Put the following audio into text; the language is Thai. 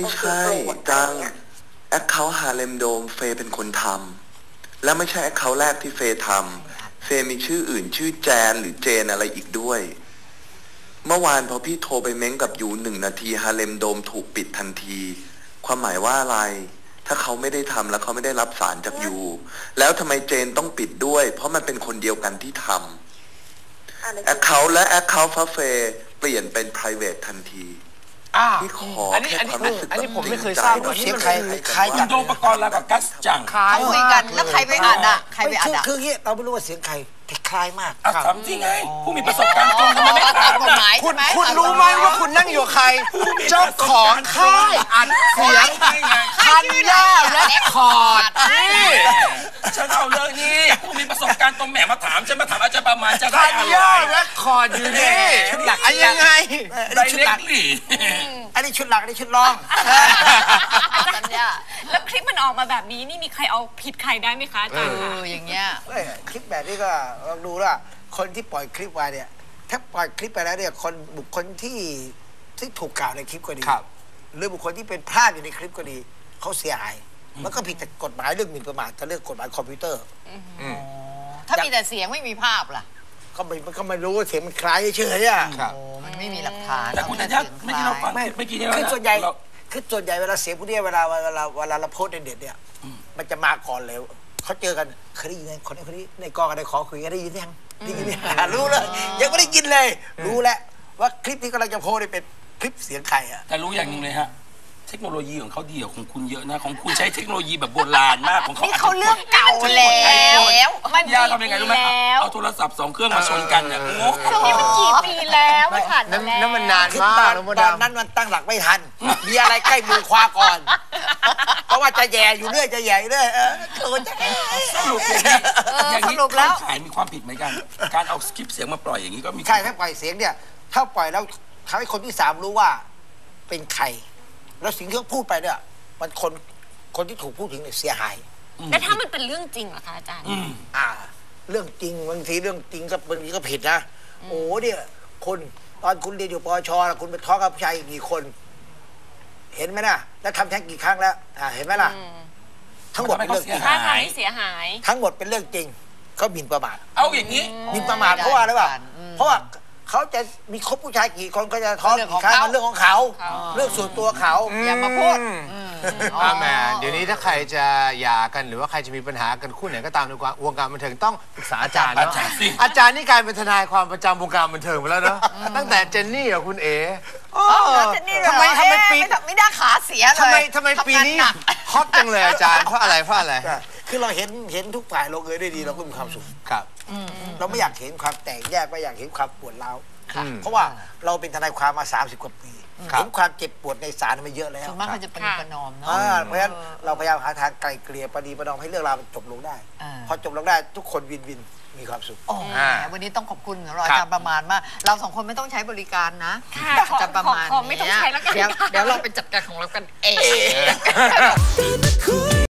ใช่จังแอคเคาท์ฮาเลมโดมเฟย์เป็นคนทำและไม่ใช่แอคเคาท์แรกที่เฟย์ทำเฟย์มีชื่ออื่นชื่อแจนหรือเจนอะไรอีกด้วยเมื่อวานพอพี่โทรไปเม้งกับยู1 นาทีฮาเลมโดมถูกปิดทันทีความหมายว่าอะไรถ้าเขาไม่ได้ทำแล้วเขาไม่ได้รับสารจากยูแล้วทำไมเจนต้องปิดด้วยเพราะมันเป็นคนเดียวกันที่ทำแอคเคาท์และแอคเคาท์ฟ้าเฟย์เปลี่ยนเป็น private ทันทีที่ขอแค่ความรู้สึกแบบผมไม่เคยทราบว่าเสียงใครคุณโดมปกรณ์แล้วกับกัสจังเขาคุยกันแล้วใครไปอ่านอ่ะใครไปอ่านอ่ะคือเราไม่รู้ว่าเสียงใครคล้ายมากถามจริงไงผู้มีประสบการณ์ตรงทำไมไม่ถามคุณรู้ไหมว่าคุณนั่งอยู่ใครเจ้าของค่ายอัดเสียงคันย่าเรคคอร์ดนี่ฉันเอาเรื่องนี้ผู้มีประสบการณ์ตรงแหมมาถามฉันมาถามอาจารย์ประมาณจะได้อะไรคันย่าเรคคอร์ดอยู่นี่ชุดหลักยังไงชุดหลักอันนี้ชุดหลักอันนี้ชุดรองสัญญาแล้วคลิปมันออกมาแบบนี้นี่มีใครเอาผิดใครได้ไหมคะอาจารย์อย่างเงี้ยคลิปแบบนี้ก็ลองดูว่าคนที่ปล่อยคลิปมาเนี่ยถ้าปล่อยคลิปไปแล้วเนี่ยบุคคลที่ถูกกล่าวในคลิปก็ดีหรือบุคคลที่เป็นภาพอยู่ในคลิปก็ดีเขาเสียหายมันก็ผิดแต่กฎหมายเรื่องหมิ่นประมาทกับเรื่องกฎหมายคอมพิวเตอร์ถ้ามีแต่เสียงไม่มีภาพล่ะก็ไม่รู้ว่าเสียงมันคล้ายเฉยๆอ่ะมันไม่มีหลักฐานแต่คุณธัญญาไม่ที่เราฟังไม่กี่คือส่วนใหญ่เวลาเสียงพวกนี้เวลาเราโพสในเด็ดเนี่ยมันจะมาก่อนเลยเขาเจอกันเคยได้ยินคนนี้ในกองกันในขอคุยกันได้ยินยังได้ยินรู้เลยยังไม่ได้ยินเลยรู้แล้วว่าคลิปที่กำลังจะโพสเป็นคลิปเสียงใครอ่ะแต่รู้อย่างนึงเลยฮะเทคโนโลยีของเขาดีกว่าของคุณเยอะนะของคุณใช้เทคโนโลยีแบบโบราณมากของเขาเขาเรื่องเก่าแล้วมันยาทำยังไงรู้ไหมเอาโทรศัพท์2 เครื่องมาชนกันเนี่ยโอ้นี่มันกี่ปีแล้วไม่ผ่านแล้วนั่นมันนานมากตอนนั้นมันตั้งหลักไม่ทันมีอะไรใกล้มือคว้าก่อนเพราะว่าจะแย่อยู่เรื่อยจะแย่เรื่อยสรุปอย่างนี้แล้วขายมีความผิดไหมกันการเอาคลิปเสียงมาปล่อยอย่างนี้ก็มีใช่ถ้าปล่อยเสียงเนี่ยถ้าปล่อยแล้วทำให้คนที่3รู้ว่าเป็นใครแล้วสิ่งที่เขาพูดไปเนี่ยมันคนที่ถูกพูดถึงเนี่ยเสียหายแต่ถ้ามันเป็นเรื่องจริงเหรอคะอาจารย์เรื่องจริงบางทีเรื่องจริงก็บางทีก็ผิดนะโอ้เนี่ยคนตอนคุณเรียนอยู่ปชคุณไปท้องกับผู้ชายกี่คนเห็นไหมนะแล้วทำแท้งกี่ครั้งแล้วเห็นไหมล่ะทั้งหมดเป็นเรื่องจริงเสียหายทั้งหมดเป็นเรื่องจริงเขาหมิ่นประมาทเอาอย่างนี้หมิ่นประมาทเพราะว่าอะไรวะเพราะว่าเขาจะมีคบผู้ชายกี่คนก็จะท้องกี่ครั้งมันเรื่องของเขาเรื่องส่วนตัวเขาอย่ามาพูดแม่เดี๋ยวนี้ถ้าใครจะหย่ากันหรือว่าใครจะมีปัญหากันคู่ไหนก็ตามในวงการบันเทิงต้องปรึกษาอาจารย์เนาะอาจารย์นี่กลายเป็นทนายความประจำวงการบันเทิงไปแล้วเนาะตั้งแต่เจนนี่กับคุณเอ๋ทำไมปีไม่ได้ขาเสียเลยทำไมปีนี้ฮอตจังเลยอาจารย์เพราะอะไรคือเราเห็นทุกฝ่ายลงเอยได้ดีเราก็มีความสุขครับเราไม่อยากเห็นความแตกแยกไม่อยากเห็นความปวดร้าวเพราะว่าเราเป็นทนายความมา30 กว่าปีเห็นความเจ็บปวดในศาลมาเยอะแล้วส่วนมากเขาจะปณีประนอมเนาะเพราะฉะนั้นเราพยายามหาทางไกลเกลี่ยปณีประนอมให้เรื่องราวมันจบลงได้พอจบลงได้ทุกคนวินมีความสุขวันนี้ต้องขอบคุณอาจารย์ประมาณมากเรา2 คนไม่ต้องใช้บริการนะอาจารย์ประมาณไม่ต้องใช้แล้วกันเดี๋ยวเราไปจัดการของเรากันเอง